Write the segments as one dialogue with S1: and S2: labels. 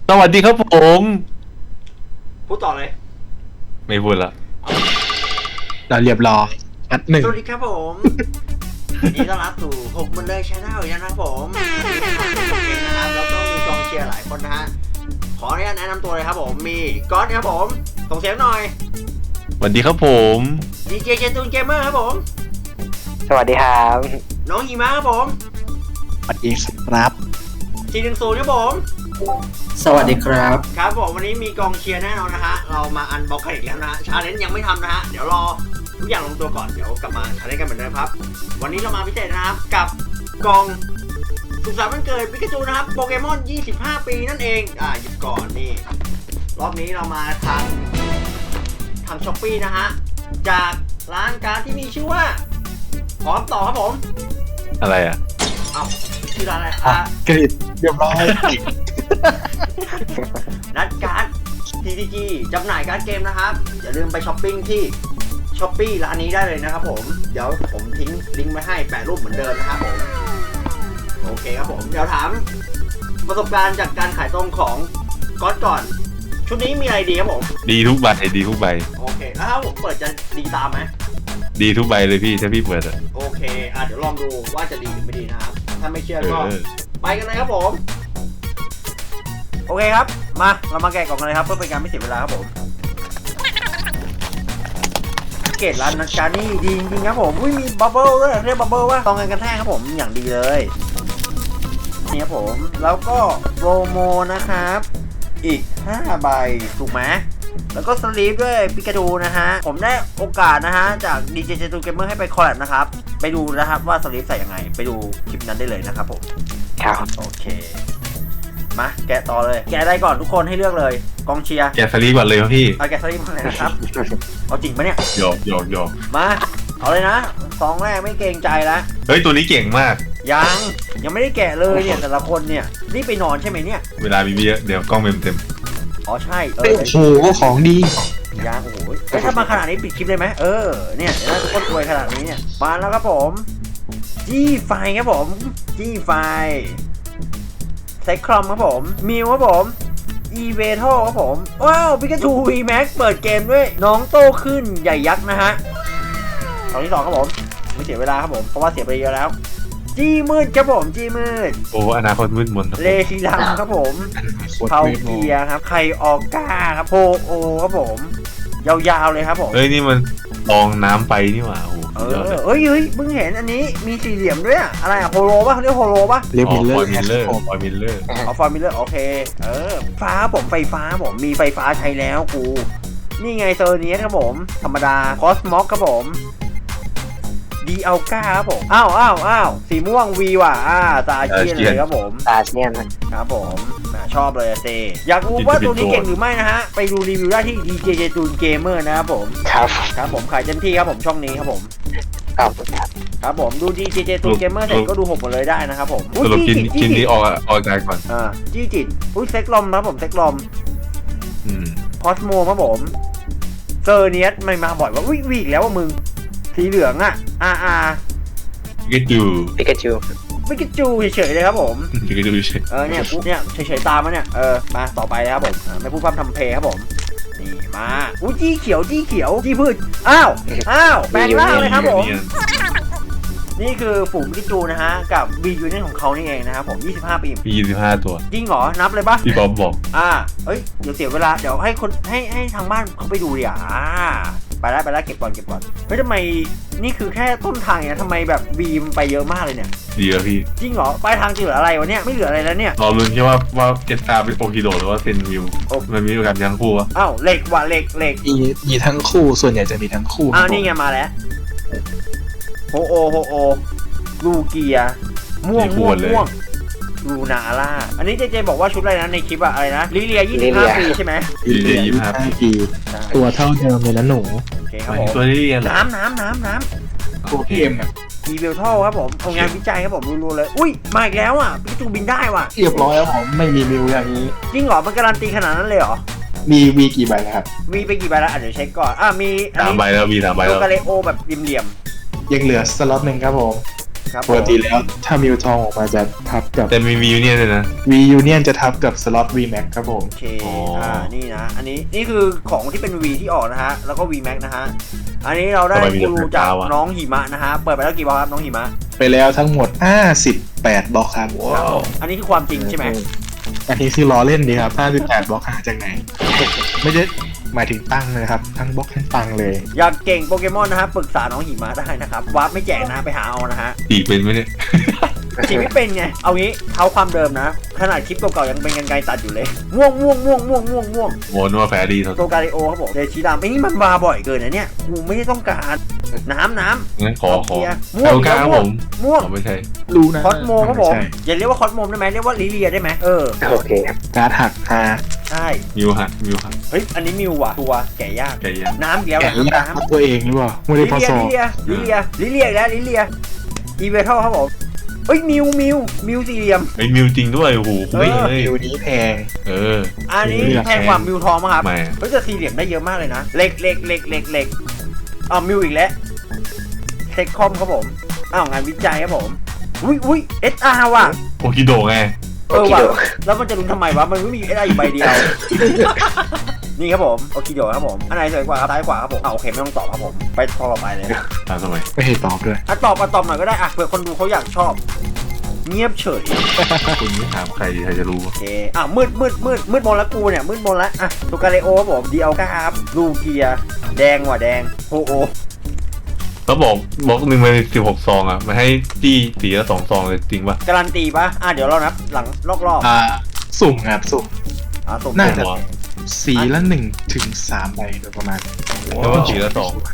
S1: สวัสดีครับผม
S2: พูดต่อเลย
S1: ไม่พูดละ
S3: เราเรียบร้อยนัดหนึ่ง
S2: สวัสดีครับผมยินดีต้อนรับสู่ผมมันเลยชาแนลอีกแล้วนะครับผมนะครับแล้วก็มีกองเชียร์หลายคนนะฮะขออนุญาตแนะนำตัวเลยครับผมมีก๊อตครับผมส่งเสียงหน่อย
S1: สวัสดีครับผม
S2: ดีเจเจตูนเกมเมอร์ครับผม
S4: สวัสดีครับ
S2: น้องหิมะครับผม
S3: สวัสดีครับ
S2: 410ครับผม
S5: สวัสดีครับ
S2: ครับผมวันนี้มีกองเชียร์แน่นอนนะฮะเรามาอันบล็อกกันอีกแล้วนะฮะชาเลนจ์ยังไม่ทำนะฮะเดี๋ยวรอทุกอย่างลงตัวก่อนเดี๋ยวกลับมาชาเลนจ์กันเหมือนเดิมครับวันนี้เรามาพิเศษนะครับกับกล่องสุขสันต์วันเกิดปิกาจูนะครับโปเกมอน25 ปีนั่นเองหยิบก่อนนี่รอบนี้เรามาทางช้อปปี้นะฮะจากร้านการ์ดที่มีชื่อว่าพร้อมต่อครับผม
S1: อะไรอ่ะ
S2: เอ้าชื่อร้านอะไร
S3: กรีดเรียบร้อย
S2: นัดการ์ด TTG จำหน่ายการ์ดเกมนะครับอย่าลืมไปช้อปปิ้งที่ช้อปปี้ร้านนี้ได้เลยนะครับผมเดี๋ยวผมทิ้งลิงก์ไว้ให้แปะรูปเหมือนเดิมนะครับผมโอเคครับผมเดี๋ยวถามประสบการณ์จากการขายตรงของก๊อตก่อนชุดนี้มีอะไรดีครับผม
S1: ดีทุกใบดีทุกใบ
S2: โอเคแล้วถ้าผมเปิดจะดีตามไหม
S1: ดีทุกใบเลยพี่ถ้าพี่เปิดอ่ะ
S2: โอเคเดี๋ยวลองดูว่าจะดีหรือไม่ดีนะครับถ้าไม่เชื่อก็
S1: เออ
S2: ไปกันเลยครับผมโอเคครับมาเรามาแกะกล่องกันเลยครับเพื่อเป็นการไม่เสียเวลาครับผมเกตร้านนัดการนี่ดีจริงๆครับผมอุ้ยมีบับเบิ้ลด้วยเรียกบับเบิ้ลว่าตองกันกระแทกครับผมอย่างดีเลยนี่ครับผมแล้วก็โปรโมนะครับอีก5ใบถูกไหมแล้วก็สลีปด้วยปิกาจูนะฮะผมได้โอกาสนะฮะจาก DJ เจตูเกมเมอร์ให้ไปคอลแลบนะครับไปดูนะครับว่าสลีปใส่ยังไงไปดูคลิปนั้นได้เลยนะครับผม
S4: ครับ
S2: โอเคมาแกะต่อเลยแกะได้ก่อนทุกคนให้เลือกเลยกองเชียร์
S1: แกะสลีก่อนเลยครับพี่
S2: เอาแกะสลีปมาเลยนะครับเอาจริงปะเนี่ย
S1: หยอกหยอกหยอก
S2: มาเอาเลยนะซองแรกไม่เกรงใจแล้ว
S1: เฮ้ยตัวนี้เก่งมาก
S2: ยังไม่ได้แกะเลยเนี่ยแต่ละคนเนี่ยรีบไปนอนใช่ไหมเนี่ย
S1: เวลามีเยอะเดี๋ยวกล้องเต็ม
S2: อ๋อใช่
S3: โอ้โหของดี
S2: ยังโอ้โหถ้ามาขนาดนี้ปิดคลิปเลยไหมเนี่ยเดี๋ยวน่าจะก้นรวยขนาดนี้เนี่ยมาแล้วครับผมจี้ไฟครับผมจี้ไฟไซคลอมครับผมมิวครับผมอีเวทอครับผมว้าวปิกาจูวีแม็กเปิดเกมด้วยน้องโตขึ้นใหญ่ยักษ์นะฮะตอนที่ 2ครับผมไม่เสียเวลาครับผมเพราะว่าเสียไปเยอะแล้วจี้มืดครับผมจี้มืด
S1: ๆโอ้อนาคตมืดมนครับ
S2: เลซิลัมครับผมเทาเกียครับไคออก้าครับโพโอครับผมยาวๆเลยครับผม
S1: เฮ้ยนี่มันลองน้ำไปนี่หว่าโอ้โห
S2: เฮ้ยเพิ่งเห็นอันนี้มีสี่เหลี่ยมด้วยอะอะไรอะโฮโลป่ะเขาเรียกโฮโลป่ะ
S3: เรียบ
S1: ฟ
S3: มิลเลอ
S1: อย
S3: ร์
S1: มิลเลอร์
S3: ผม
S1: ฟอยมิลเลอร์
S2: เอาฟอร์มิเลอร์โอเคฟ้าผมไฟฟ้าผมมีไฟฟ้าใช้แล้วกูนี่ไงเซอร์เนียสครับผมธรรมดาคอสมอสครับผมดีอัลก้าครับผมอ้าวสีม่วงวีว่ะตาเกียนเลยครับผม
S4: ตาเนี่ยนะครับ
S2: ผมชอบเลยเซอยากรู้ว่าตัวนี้เก่งหรือไม่นะฮะไปดูรีวิวได้ที่ DJ เจตูนเกมเมอร์นะครับผม
S4: ครับ
S2: ครับผมขายเต็มที่ครับผมช่องนี้ครับผม
S4: ขอบคุณครับ
S2: ครับผมดู DJ เจตูนเกมเมอร์เสร็จก็ดูผมหมดเลยได้นะครับผม
S1: สรุปกินนี้ออกอากาศก่อน
S2: จี้จิตเซ็กลอมครับผมเซ็กลอม
S1: อืม
S2: คอสโมครับผมเซอร์เนียสไม่มาบ่อยว่าวีกแล้วว่ามึงสีเหลือง
S1: ปิกาจู
S4: ปิกาจู
S2: ไม่กิจูเฉยๆเลยครับผม
S1: ปิกาจูเฉย
S2: เนี่ยกูเนี่ยเฉยๆตามมาเนี่ยมาต่อไปนะครับผมไม่พูดพร่ำทำเพลงครับผมนี่มาจี้เขียวจี้พืชอ้าวแปลงร่างเลยครับผม นี่คือฝูงพิจูนะฮะกับบียูเนียนของเขานี่เองนะครับผม25 ปี
S1: มี25 ตัว
S2: จริงเหรอนับเลยปะ
S1: พี่บอมบอก
S2: เอ้ยเดี๋ยวเสียเวลาเดี๋ยวให้คนให้ทางบ้านเขาไปดูดิไปแล้วเก็บก่อนเฮ้ยทำไมนี่คือแค่ต้นทางเนี่ยทำไมแบบบีมไปเยอะมากเลยเนี่ย
S1: ดีแล้วพี่
S2: จริงเหรอปลายทางจะเหลืออะไรวะเนี่ยไม่เหลืออะไรแล้วเนี่ย
S1: รอลุ้นแค่ว่าเจ็ดตาเป็นโอคิโดหรือว่าเซนวิวมันมีโอกาสทั้งคู่วะ
S2: เหล็กว่ะเหล็ก
S3: มีทั้งคู่ส่วนใหญ่จะมีทั้งคู่
S2: นี่ไงมาแล้วโฮโอลูเกียม่วงลูนาล่าอันนี้เจบอกว่าชุดอะไรนะในคลิปอะไรนะลิเลีย25 ปีใช่ไหม
S1: ดีเลย25 ปี
S3: ตัวเท่าเดิมเลยนะหนู
S2: โอเคค
S1: ห
S2: รับ
S1: มาย
S2: ผ
S1: ถึง
S2: ม
S1: ตัวที่เรียนเหรอ
S2: น้ำ
S3: ตัวพี่เอ็มอ่ะ
S2: อีเวลท่อครับผมเอางานวิจัยครับผมรู้ๆเลยอุ้ยมาอีกแล้วปิกาจูบินได้ว่ะ
S3: เรียบร้อยแล้วผมไม่มีมิวอย่างนี้
S2: จริงเหรอมันการันตีขนาดนั้นเลยเหรอ
S3: มีวีกี่ใบนะครับ
S2: มีไปกี่ใบแล้วเดี๋ยวเช็คก่อนมี
S1: 3 ใบแล้วมี3 ใบ
S2: โล
S1: แล้ว
S2: กาเลโอแบบเหลี่ยม
S3: ยังเหลือสล็อตหนึ่งครับผม
S2: สครับ
S3: ปกติแล้วถ้ามิวทองออกมาจะทับกับ
S1: แต่มีวิวเนี่ยเลยนะ
S3: V Union จะทับกับสล็อต V Max ครับผม
S2: โอเค
S1: อ๋ออ่
S2: นี่นะ อันนี้นี่คือของที่เป็น V ที่ออกนะฮะ แล้วก็ V Max นะฮะ อันนี้เราได้กูรูจากน้องหิมะนะฮะ เปิดไปแล้วกี่บล็อกครับน้องหิมะ
S3: ไปแล้วทั้งหมด58บล็อกครับ
S2: ครับผมอันนี้คือความจริงใช่ไหม
S3: อันนี้คือล้อเล่นดีครับ58บล็อกหาจากไหน ไม่ได้หมายถึงตั้งเลยครับ ทั้งบล็อกทั้งตังเลย
S2: อยากเก่งโปเกมอนนะฮะปรึกษาน้องหิมะได้นะครับวาร์ปไม่แจกนะไปหาเอานะฮะ
S1: ตีเป็นไหมเนี่ย
S2: ฉีกไม่เป็นไง เอางี้เท้าความเดิมนะ ขนาดคลิปเก่าๆยังเป็นกันไกรตัดอยู่เลย ม่วง
S1: โมนว่าแฟร์ดีเท่า
S2: โตกาลิโอครับผมเดชิดามไอ้นี่มันมาบ่อยเกินนะเนี่ยกูไม่ได้ต้องการน้ำ
S1: งั้นขอ
S2: เกียร์ม่วง
S1: เอากล้าครับผม
S2: ม่วง
S1: อ๋อไม่ใช่
S3: รู้นะ
S2: คอสโมครับผม
S3: ใช่
S2: อย่าเรียกว่าคอสโมได้ไหมเรียกว่าลิเลียได้ไหม
S4: โอเคครับ
S3: การ์ดหักหา
S2: ใช่
S1: มิวฮะ
S2: เฮ้ยอันนี้มิวว่ะตัวแก่ยาก
S1: แกยัง
S2: น้ำอีกแล้ว
S3: แกะ
S2: น้ำ
S3: ยาก
S2: น้ำ
S3: ตัวเองหรือเปล่าไม่ได้พอสอบ
S2: ลิเลียอีกแล้วลิเลียอีเวทัลครับผมเฮ้ยมิวสี่เหลี่ยม
S1: ไอ้มิวจริงด้วยโอ้โหไม่เลย
S3: มิวนี้แพง
S1: เออ
S2: อันนี้
S3: มิวเหลี่ยม
S2: แพงกว่ามิวทองมั้งครับ
S1: ไม่
S2: เฮ้ยแต่สี่เหลี่ยมได้เยอะมากเลยนะเล็กอ้าวมิวอีกแล้วเทคคอมครับผมอ้าวงานวิจัยครับผมอุ้ย SR ว่ะ
S1: โอคิโดะไง
S2: ว่ะแล้วมันจะลุ้นทำไมวะมันไม่มี SR อยู่ใบเดียว นี่ครับผมโอเคเดี๋ยวครับผมอันไหนสวยกว่าครับซ้ายขวาครับผมโอเคไม่ต้องตอบครับผมไปข้อต่อไปเลยนะ
S1: ตามสมัย
S3: ไม่ให้ตอบด้วย
S2: ตอบหน่อยก็ได้เผื่อคนดูเขาอยากชอบ เงียบเฉย
S1: คุณไม่ถามใครจะรู้
S2: โอเคมืดมนแล้วกูเนี่ยมืดมนแล้วตัวกาเลโอครับผมดีเอลก้าครับลูเกียแดงว่ะแดงโฮโอ
S1: เขาบอกบล็อกหนึ่งมัน16 ซองอ่ะมันให้จี้สีละ2 ซองเลยจริงป่ะ
S2: การันตีปะเดี๋ยวเรานับหลังรอบ
S3: สุ่มครับสุ่ม
S2: สุ่ม
S3: น่าจะ
S1: หัว
S3: สีละ1 ถึง 3 ใบโดยประมาณ
S1: แล้วว่าสีละ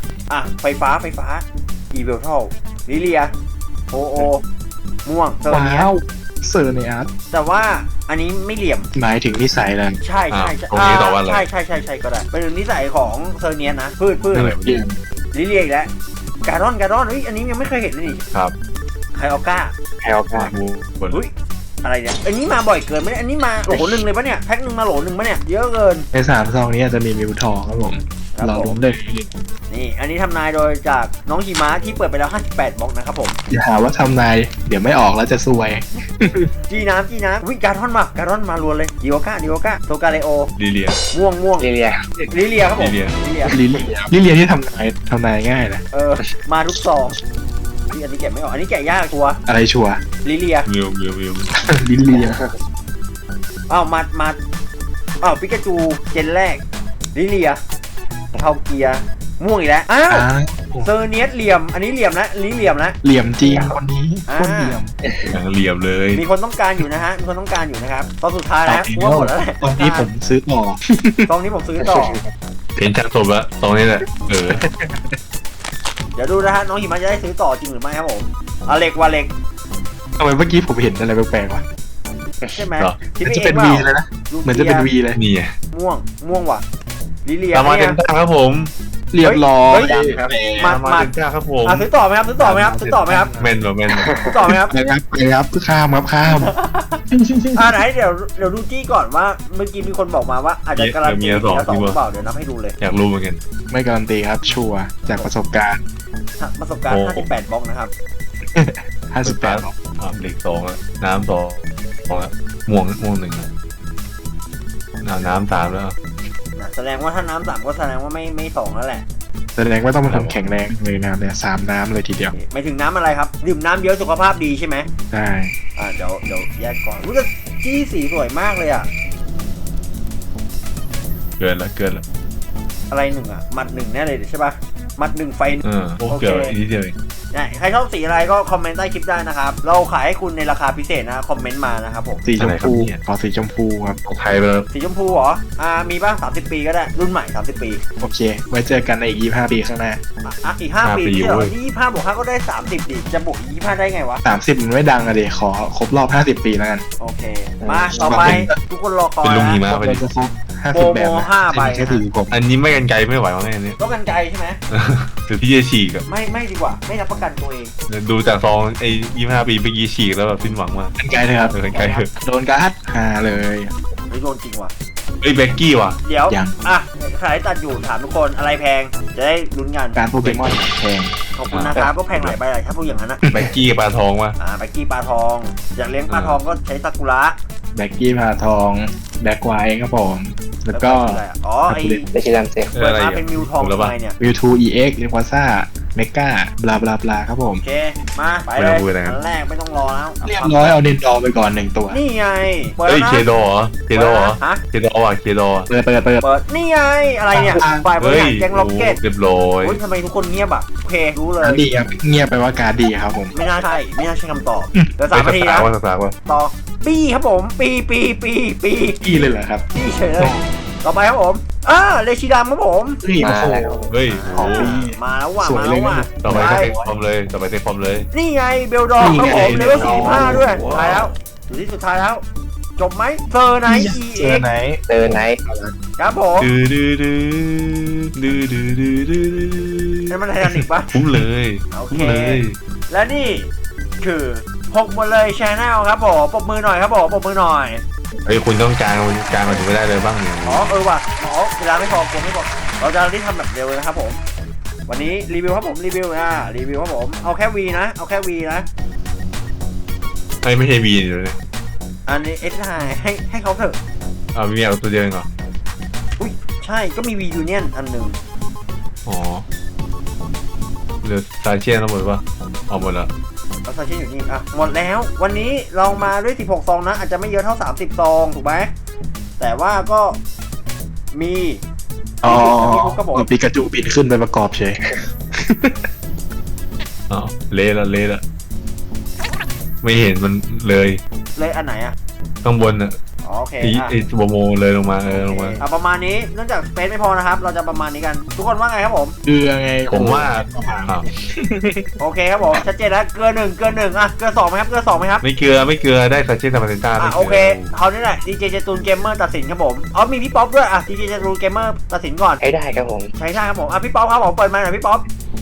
S1: 2
S2: ไฟฟ้าอีเวลทัลลิเลียโฮโอม่วงเซอร์เนีย
S3: ว้าวเซอร์เนียส
S2: แต่ว่าอันนี้ไม่เหลี่ยม
S3: หมายถึงนิสัยแล้ว
S2: ใช่
S1: ตรงนี้ต่อว่าอะไร
S2: ใช่ก็ได้เป็นนิสัยของเซอร์เนียนะพืช
S3: นั่นแหละเรียน
S2: ลิเลียอีกแล้วการอนเฮ้ยอันนี้ยังไม่เคยเห็นเลยนี่
S1: ครับ
S2: ไคออก้า
S4: แพลวครับ
S1: มูบน
S2: เฮ้ยอะไรเนี่ยอันนี้มาบ่อยเกินไหมอันนี้มาโหลหนึ่งเลยปะเนี่ยแพ็คหนึ่งมาโหลหนึ่งปะเนี่ยเยอะเกิน
S3: ใน3 ซองนี้อาจจะมีมิวทองครับผม
S2: ครับ
S3: เรา
S2: ผม
S3: ล้มได้
S2: นี่อันนี้ทำนายโดยจากน้องหิมะที่เปิดไปแล้ว58บล็อกนะครับผม
S3: อย่าหาว่าทำนายเดี๋ยวไม่ออกแล้วจะซวย
S2: จีน้ำวิการอนมารัวเลยดิโอก้าโตกาเลโอ
S1: ลิเลีย
S2: ม่วง
S4: เรีย
S2: ลิเลียครับผม
S1: ลิเลีย
S3: ลิเลียที่ทำนายง่ายนะ
S2: มาทุกซองอันนี้แกะไม่ออกอันนี้แกะยากตัว
S3: อะไรชัวร์
S2: ลิเลีย
S1: มิว
S3: ลิเลีย
S2: มาปิกาจูเจนแรกลิเลียเทาเกียม่วงอีกแล้วเซอร์เนียสเหลี่ยมอันนี้เหลี่ยมนะลิเลียมนะ
S3: เหลี่ยมจริงคนนี้คนเหลี่ยม
S1: อย่างเหลี่ยมเลย
S2: มีคนต้องการอยู่นะฮะมีคนต้องการอยู่นะครับตอนสุดท้ายแล้วกูว่าหมดแล้วแหละ
S3: ตอนนี้ผมซื้อต่อ
S2: ตอนนี้ผมซื้อต่อ
S1: เห็นชักศพแล้วตรงนี้แหละเออ
S2: เดี๋ยวดูนะฮะน้องหิมะจะได้ซื้อต่อจริงหรือไม่ครับผมเหล็กว่าเหล็ก
S3: ทำไมเมื่อกี้ผมเห็นอะไรแปลกๆวะ
S2: ใช่ไหม
S3: เหมือนจะเป็น V เลยนะเหมือนจะเป็น V เลย
S1: นี่ไง
S2: ม่วงว่ะลิเลีย
S1: ตามมาเต็มตาครับผม
S3: เรียบร้อย
S1: ตามมาเต็มตาครับผม
S2: ซื้อต่อไหมครับซื้อต่อไหมครับ
S1: แม่น
S2: ซื้อต่อไหมครับ
S3: นะครับข้ามครับข้าม
S2: ไหนเดี๋ยวดูจี้ก่อนว่าเมื่อกี้มีคนบอกมาว่าอาจจะการันตีแล้วต่อหรือเปล่าเดี๋ยวนับให้ดูเลย
S1: อยากรู้เหมือนกัน
S3: ไม่การันตีครับชัวร์จากประสบการณ์
S2: ประสบการณ์58บล็อกนะครับ
S3: 58
S1: เหล็ก2แล้วน้ำ2แล้วม่วง1น้ำ3แล้ว
S2: แสดงว่าถ้าน้ำ3ก็แสดงว่าไม่2แล้วแหละ
S3: แสดงว่าต้องมาทำแข็งแรงเลยน้ำเนี่ย3 น้ำเลยทีเดียว
S2: ไม่ถึงน้ำอะไรครับดื่มน้ำเยอะสุขภาพดีใช่ไหม
S3: ใช่
S2: เดี๋ยวแยกก่อนรู้สึกจี้สีสวยมากเลยอ่ะ
S1: เกินละ
S2: อะไรหนึ่งหมัดหนึ่งแน่เลยใช่ป่ะหมัดหนึ่งไฟ
S1: เกินนิดเดียวเอง
S2: ใครชอบสีอะไรก็คอมเมนต์ใต้คลิปได้นะครับเราขายให้คุณในราคาพิเศษนะคอมเมนต์มานะครับผม
S3: สีชมพูขอสีชมพูครับ
S1: ของไทยไปแล้ว
S2: สีชมพูเหรอมีบ้าง30 ปีก็ได้รุ่นใหม่30 ปี
S3: โอเค ไว้เจอกันในอีก25 ปีข้างหน้า
S2: อีก5 ปีที่เหรอ25 บวก 5ก็ได้30ดิจะบวกอีก25ได้ไงวะ
S3: 30มันไม่ดังอะเดี๋ยวขอครบรอบ50 ปีแล้วกัน
S2: โอเคมาต่อไปทุกคนรอคอย
S1: เป็นลุงหิ
S2: นะ
S1: มะไปดิ
S3: จะครบ50 แบบนะ
S2: 5 ใบ
S3: แค่ถือผม
S1: อันนี้ไม่กันไกลไม่ไหวมั้งอันนี้
S2: ต้องกันไกลใช่ไหม
S1: หรือที่จะฉีกอะ
S2: ไม่ดีกว่าไม่รับประกันตัวเอง
S1: ดูจากซองไอ้25 ปีเมื่อกี้ฉีกแล้วแบบสิ้นหวังมาก
S3: กันไกลเลยครับ
S1: กันไกลเถอะ
S3: โดนการ์ดเลย
S2: ไม่โดนจริงว่ะ
S1: เอ้ยเบกกี้ว่ะ
S2: เดี๋ยว
S3: ยัง
S2: ขายตัดอยู่ถามทุกคนอะไรแพงจะได้ลุ้นกัน
S3: การโปเกมอนแพง
S2: โอขอบคุณนะครับก็แพงหลายใบหลายถ้าพูดอย่างนั้นนะ
S1: แบ็กกี้กับปลาทองมา
S2: แบ็กกี้ปลาทอง อยากเลี้ยงปลาทองก็ใช้ซากุระ
S3: แบ็กกี้พาทองแบ็กไวท์ครับผมแล้วก็
S2: อะไรอะอ๋อไอ
S4: ได้ชิดันเซ็ก
S2: เปิดมาเป็นมิวทองทำไมเนี่ย
S3: วิวทู EX เรียกว่าซ่าเมกาบลาบลาบลาครับผม
S2: โอเคมาไปเลยอันแรกไม่ต้องรอแล้ว
S3: เรียบร้อยเอาเดนดอร์ไปก่อน1ตัว
S2: นี่ไงเปิด
S1: เฮ้ย
S2: แล้วนะ
S1: เคโดเหรอเคโดเหรอ
S2: ฮะ
S1: เคโดว่ะเคโด
S3: เปิด
S2: เปิดนี่ไงอะไรเนี่ยฝ่ายบริ
S1: เฮ้ย
S2: หารแก๊งล็อกเก็ต
S1: เรียบร้อย
S2: โอ้ยทำไมทุกคนเงียบอ่ะโอเครู้เลย
S3: การดีครับเงียบไปว่าการดีครับผม
S2: ไม่น่าใช่ไม่น่าใช่คำตอบเดี๋ยว3 นาที
S1: สา
S2: นะ
S1: กว่าสากว่า
S2: ต่อปีครับผมปี
S3: พี่เลยเหรอครับ
S2: ปีเฉยเลยต่อไปครับผมเลชิดามครับผม
S3: นี่โอ้
S4: มา
S3: โห
S4: แล้ว
S1: เฮ้ย
S3: ของปี
S2: มาแล้วว่ะ
S3: สวย
S2: มาแล้วว่ะ
S3: เลยนะ
S1: ต่อไปก็เทคฟอร์มเลยต่อไปเทคฟอร์มเลย
S2: นี่ไงเบลดอร์ครับผม
S3: นี่
S2: เล
S3: ไง
S2: เวล45ด้วย
S1: ว้าว
S2: ท้ายแล้วอยู่ที่สุดท้ายแล้ว จบไหมเซอร์ไนท์
S3: เจอ
S2: EX
S3: ไหน
S4: เจอไนท์
S2: ครับผม
S1: ดื้อดื้อดื้อดื้อดื้อดื้อดื้อ
S2: นี่มันไททานิกปะ
S1: คุ้มเลย
S2: โอเค
S1: คุ้มเลย
S2: และนี่คือ6หมดเลยชแนลครับผมปรบมือหน่อยครับผมปรบมือหน่อย
S1: เฮ้ยคุณต้องการมาถึงไม่ได้เลยบ้างเนี่ย
S2: ว่ะเวลาไม่พอกลัวไม่พอเราจะรีบทำแบบเร็วเลยนะครับผม วันนี้รีวิวครับผมรีวิวครับผมเอาแค่ V นะเอาแค่ V นะ
S1: ไม่ใช่บีนอยู่เลย
S2: อันนี้เอสให้เขาเถอะ
S1: เอามีเอาตัวเดียวเองเหรอ
S2: อุ้ยใช่ก็มี V Union อันหนึ่ง
S1: อ๋อเหลือซาเชียนทั้งหมดปะเอาหมดแล้ว
S2: เอาซาเช่นอยู่นี่หมดแล้ววันนี้เรามาด้วย16ซองนะอาจจะไม่เยอะเท่า30ซองถูกไหมแต่ว่าก็มี
S3: อ๋อ
S2: ครับผม
S3: ปีกระจูบินขึ้นไปประกอบเฉย
S1: อ้าวเละละไม่เห็นมันเลย
S2: เลยอันไหนอ่ะ
S1: ข้างบนอ่ะ
S2: อ๋อโอเค
S1: ไอ้ตัวโมเลยลงมาลงมา
S2: ประมาณนี้เนื่องจากสเปซไม่พอนะครับ เราจะประมาณนี้กัน ทุกคนว่าไงครับผม
S3: คือยังไง
S1: ผมว่าอ้าว
S2: โอเคครับผมชัดเจนแล้วเกลือ1เกลือ1เกลือ2ไหมครับเกลือ2ไหมครับ
S1: ไม่เกลือได้ซาเชียนธรรมดาไม่
S2: โอเคเขานี่แหละดีเจเจตูนเกมเมอร์ตัดสินครับผมมีพี่ป๊อปด้วยดีเจเจตูนเกมเมอร์ตัดสินก่อน
S4: ให้ได้ครับผม
S2: ใช่ครับผมพี่ป๊อปครับผมเปิดมาหน่อยพี่ป๊อป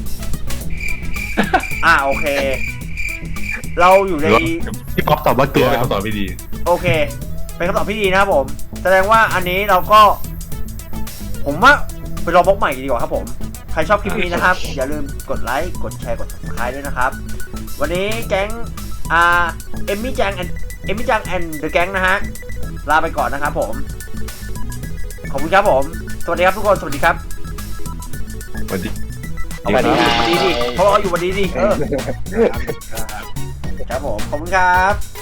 S2: โอเค เราอยู่ใน
S3: พี่ป๊อปตอบว่าเก
S1: เกลื
S3: ลื
S1: อ
S3: อ
S1: เป็น
S3: ครับ
S1: คำตอบไม่ดี
S2: โอเค เป็นคำตอบที่ดีนะครับผม แสดงว่าอันนี้เราก็ ผมว่าไปรอบล็อกใหม่ดีกว่าครับผม ใครชอบคลิปนี้นะครับ อย่าลืมกดไลค์ กดแชร์ กด subscribe ด้วยนะครับ วันนี้แก๊งเอมมี่จังแอนด์เดอะแก๊งนะฮะ ลาไปก่อนนะครับผม ขอบคุณครับผม สวัสดีครับทุกคน สวัสดีครับ
S1: สวัสดี
S2: เอาวันดีดิเพราะเราอยู่วันดีดิครับผม ขอบคุณครับ